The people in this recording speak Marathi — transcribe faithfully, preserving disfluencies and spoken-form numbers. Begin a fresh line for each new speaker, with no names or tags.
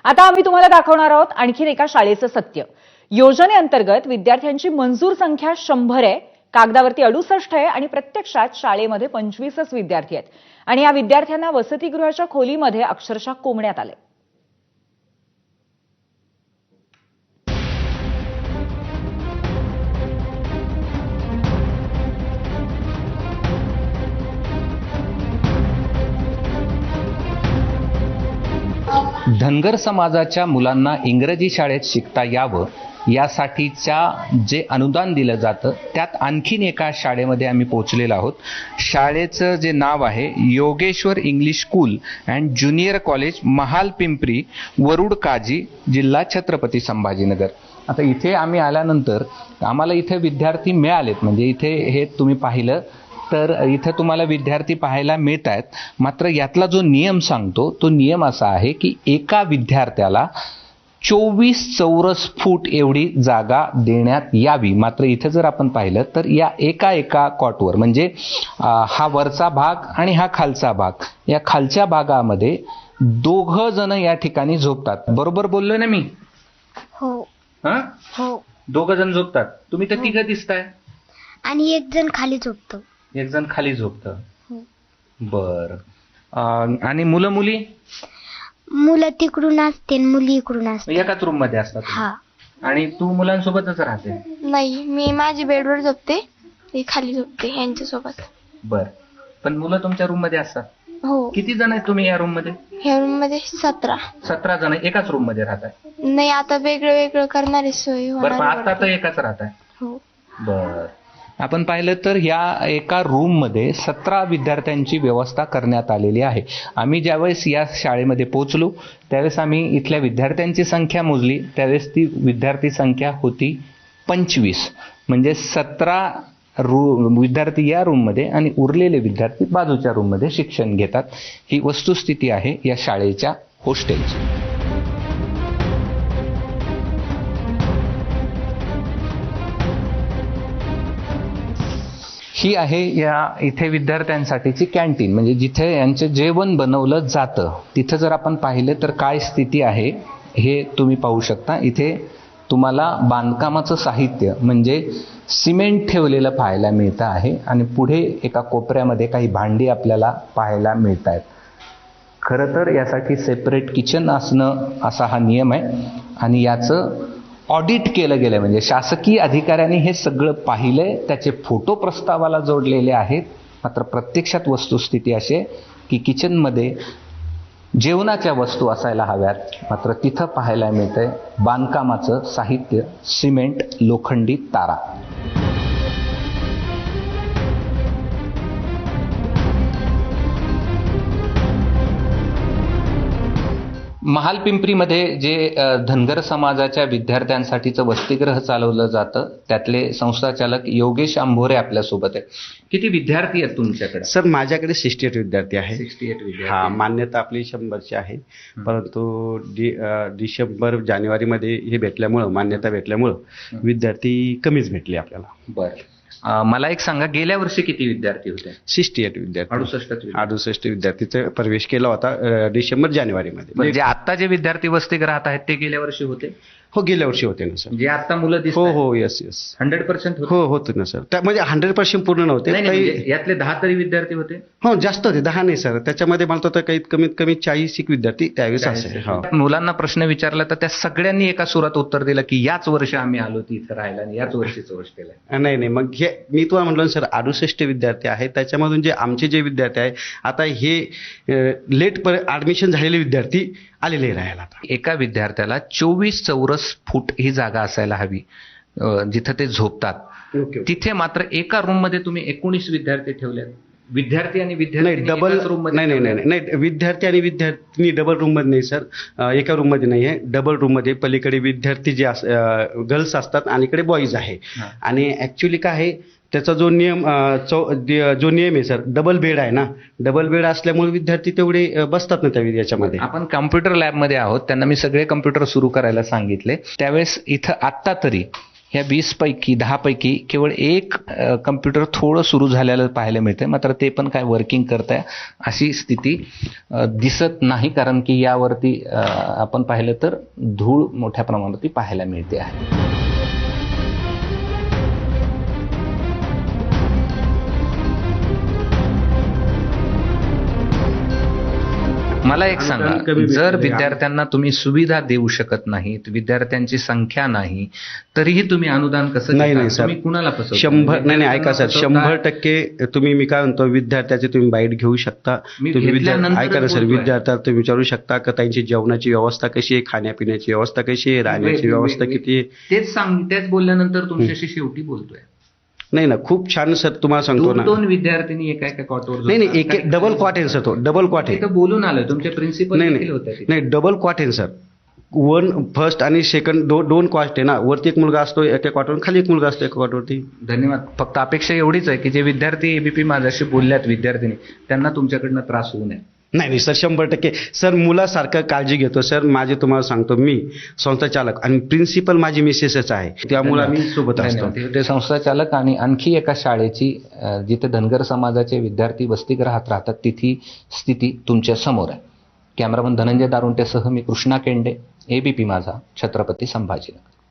आता आम्ही तुम्हाला दाखवणार आहोत आणखीन एका शाळेचं सत्य। योजनेअंतर्गत विद्यार्थ्यांची मंजूर संख्या शंभर आहे, कागदावरती अडुसष्ट आहे आणि प्रत्यक्षात शाळेमध्ये पंचवीसच विद्यार्थी आहेत आणि या विद्यार्थ्यांना वसतिगृहाच्या खोलीमध्ये अक्षरशः कोंबण्यात आले।
धनगर समाजाच्या मुलांना इंग्रजी शाळेत शिकता यावं यासाठीच्या जे अनुदान दिलं जातं त्यात आणखीन एका शाळेमध्ये आम्ही पोहोचलेलो आहोत। शाळेचं जे नाव आहे Yogeshwar English school and junior college, Mahal Pimpri, Warud Kazi, जिल्हा छत्रपती संभाजीनगर। आता इथे आम्ही आल्यानंतर आम्हाला इथे विद्यार्थी मिळालेत, म्हणजे इथे हे तुम्ही पाहिलं तर इथं तुम्हाला विद्यार्थी पाहायला मिळत आहेत। मात्र यातला जो नियम सांगतो तो नियम असा आहे की एका विद्यार्थ्याला चोवीस चौरस फूट एवढी जागा देण्यात यावी। मात्र इथे जर आपण पाहिलं तर या एका एका कॉटवर, म्हणजे हा वरचा भाग आणि हा खालचा भाग, या खालच्या भागामध्ये दोघ जण या ठिकाणी झोपतात। बरोबर बोललोय ना मी?
हो
हा
हो
दोघ जण झोपतात। तुम्ही तर तिघ दिसताय
आणि एक जण खाली झोपतो।
एक जण खाली झोपतं।
हो.
बर आणि मुलं मुली?
मुलं तिकडून असते मुली इकडून असते।
एकाच रूम मध्ये असतात?
हा।
आणि तू मुलांसोबतच राहते?
नाही, मी माझी बेडवर झोपते, ते खाली झोपते यांच्या सोबत।
बर, पण मुलं तुमच्या रूम मध्ये असतात?
हो।
किती जण आहेत तुम्ही या रूम मध्ये?
ह्या रूम मध्ये सतरा।
सतरा जण एकाच रूम मध्ये राहताय?
नाही, आता वेगळं वेगळं करणारी सोय
बर, पण
होणार
आता तर एकाच राहताय?
हो।
बर, आपण पाहिलं तर या एका रूम मध्ये सतरा विद्यार्थ्यांची व्यवस्था करण्यात आलेली आहे। आम्ही ज्यावेळेस या शाळेमध्ये पोहोचलो त्यावेळेस आम्ही इथल्या विद्यार्थ्यांची संख्या मोजली, त्यावेळेस ती विद्यार्थी संख्या होती पंचवीस, म्हणजे सतरा रू विद्यार्थी या रूम मध्ये आणि उरलेले विद्यार्थी बाजूच्या रूम मध्ये शिक्षण घेतात। ही वस्तुस्थिती आहे या शाळेच्या हॉस्टेलची। ही आहे या इथे विद्यार्थ्यांसाठीची कॅन्टीन, म्हणजे जिथे यांचे जेवण बनवलं जातं। तिथं जर आपण पाहिलं तर काय स्थिती आहे हे तुम्ही पाहू शकता। इथे तुम्हाला बांधकामाचं साहित्य म्हणजे सिमेंट ठेवलेलं पाहायला मिळतं आहे आणि पुढे एका कोपऱ्यामध्ये काही भांडी आपल्याला पाहायला मिळत आहेत। खरं तर यासाठी सेपरेट किचन असणं असा हा नियम आहे आणि याचं ऑडिट केलं गेलं, म्हणजे शासकीय अधिकाऱ्यांनी हे सगळं पाहिलंय, त्याचे फोटो प्रस्तावाला जोडलेले आहेत। मात्र प्रत्यक्षात वस्तुस्थिती अशी आहे की किचनमध्ये जेवणाच्या वस्तू असायला हव्यात, मात्र तिथं पाहायला मिळतंय बांधकामाचं साहित्य, सिमेंट, लोखंडी तारा। महाल पिंपरीमध्ये जे धनगर समाजाच्या विद्यार्थ्यांसाठीचं वसतिगृह चालवलं जातं त्यातले संस्थाचालक योगेश अंभोरे आपल्यासोबत आहे। किती विद्यार्थी आहेत तुमच्याकडे?
सर, माझ्याकडे सिक्स्टी एट विद्यार्थी आहे।
सिक्स्टी एट विद्यार्थी?
हा, मान्यता आपली शंभरची आहे, परंतु डि डिसेंबर जानेवारीमध्ये हे भेटल्यामुळं, मान्यता भेटल्यामुळं विद्यार्थी कमीच भेटले आपल्याला।
बरं, मला एक सांगा, गेल्या वर्षी किती विद्यार्थी होते?
सिक्स्टी एट विद्यार्थी,
अडुसष्ट
अडुसष्ट विद्यार्थीचा प्रवेश केला होता डिसेंबर जानेवारीमध्ये।
म्हणजे आता जे विद्यार्थी वसतिगृहात आहेत ते गेल्या वर्षी होते?
हो, गेल्या वर्षी होते ना सर।
जे आता मुलं दिसत?
हो हो, यस यस,
हंड्रेड पर्सेंट
हो होते ना सर। त्या म्हणजे हंड्रेड पर्सेंट पूर्ण नव्हते,
काही यातले दहा तरी विद्यार्थी होते?
हो, जास्त होते, दहा नाही सर, त्याच्यामध्ये मला तर काही कमीत कमी चाळीस एक विद्यार्थी त्यावेळेस असेल। हो,
मुलांना प्रश्न विचारला तर त्या सगळ्यांनी एका सुरात उत्तर दिलं की याच वर्षी आम्ही आलो तिथं राहायला आणि याच वर्षीच हॉस्टेल।
नाही नाही, मग हे मी तुम्हाला म्हटलं सर, अडुसष्ट विद्यार्थी आहेत, त्याच्यामधून जे आमचे जे विद्यार्थी आहे आता हे लेट पर ऍडमिशन झालेले विद्यार्थी आलेले राहायला।
एका विद्यार्थ्याला चोवीस चौरस फूट ही जागा असायला हवी जिथं ते झोपतात। तिथे मात्र एका रूम मध्ये तुम्ही एकोणीस विद्यार्थी ठेवले। विद्यार्थी आणि विद्यार्थी
डबल रूम? नाही नाही नाही नाही, विद्यार्थी आणि विद्यार्थी डबल रूम मध्ये नाही सर, एका रूम मध्ये नाही आहे, डबल रूम मध्ये पलीकडे विद्यार्थी जे गर्ल्स असतात आणि इकडे बॉईज आहे। आणि ऍक्च्युली काय आहे त्याचा जो नियम जो नियम आहे सर, डबल बेड आहे ना, डबल बेड असल्यामुळे विद्यार्थी तेवढे बसतात ना त्या याच्यामध्ये।
आपण कम्प्युटर लॅब मध्ये आहोत, त्यांना मी सगळे कम्प्युटर सुरू करायला सांगितले। त्यावेळेस इथं आत्ता तरी ह्या वीस पैकी दहा पैकी केवळ एक कम्प्युटर थोडं सुरू झालेलं पाहायला मिळतंय, मात्र ते पण काय वर्किंग करत आहे अशी स्थिती अ, दिसत नाही, कारण की यावरती अ, आपण पाहिलं तर धूळ मोठ्या प्रमाणावरती पाहायला मिळते आहे. मला एक सांगा,
अनुदान कमी भेटते.
जर विद्यार्थ्यांना तुम्ही सुविधा देऊ शकत नाहीत, विद्यार्थ्यांची संख्या नाही, तरीही तुम्ही अनुदान कसं
नाही
देता?
नाही सर,
तुम्ही कुणाला फसवता?
शंभर नाही नाही ऐका सर,
विद्यार्थ्यांना
शंभर
फसवता?
टक्के तुम्ही, मी काय म्हणतो, विद्यार्थ्याचे तुम्ही बाईट घेऊ शकता.
मी
तुम्ही विद्यार्थी
घेतल्यानंतरच
ऐका ना सर,
बोलतोय.
विद्यार्थ्याला तुम्ही विचारू शकता का त्यांची जेवणाची व्यवस्था कशी आहे, खाण्यापिण्याची व्यवस्था कशी आहे, राहण्याची
वे-
व्यवस्था
वे-
किती आहे.
तेच सांग तेच बोलल्यानंतर तुमच्याशी शेवटी बोलतोय.
नाही ना, खूप छान सर, तुम्हाला सांगतो
दोन
ना.
दोन विद्यार्थिनी एका एका कॉटवर
नाही नाही, एक एक डबल क्वाट आहे सर, तो डबल क्वाट आहे.
इथं बोलून आलोय, तुमचे प्रिन्सिपल
नाही
देखील
नाही
होते तिथे.
नाही, डबल क्वाट आहे सर. वन फर्स्ट आणि सेकंड दो, दोन क्वास्ट आहे ना, वरती एक मुलगा असतो एका क्वाटवर, खाली एक मुलगा असतो एका क्वाटवरती.
धन्यवाद. फक्त अपेक्षा एवढीच आहे की जे विद्यार्थी एबीपी माझ्याशी बोलल्यात, विद्यार्थिनी, त्यांना तुमच्याकडनं त्रास होऊ नये.
नाही नाही सर, शंभर टक्के सर, मुलासारखं काळजी घेतो सर. माझे तुम्हाला सांगतो, मी संस्थाचालक आणि प्रिन्सिपल माझी मिसेसच आहे, त्यामुळे आम्ही सोबत असतो.
धन्यवाद. हे होते संस्थाचालक. आणि आणखी एका शाळेची अ, जिथे धनगर समाजाचे विद्यार्थी वसतिगृहात राहतात तिथी स्थिती तुमच्या समोर आहे. कॅमेरामन धनंजय दारुंटेसह मी कृष्णा केंडे, एबीपी माझा, छत्रपती संभाजीनगर.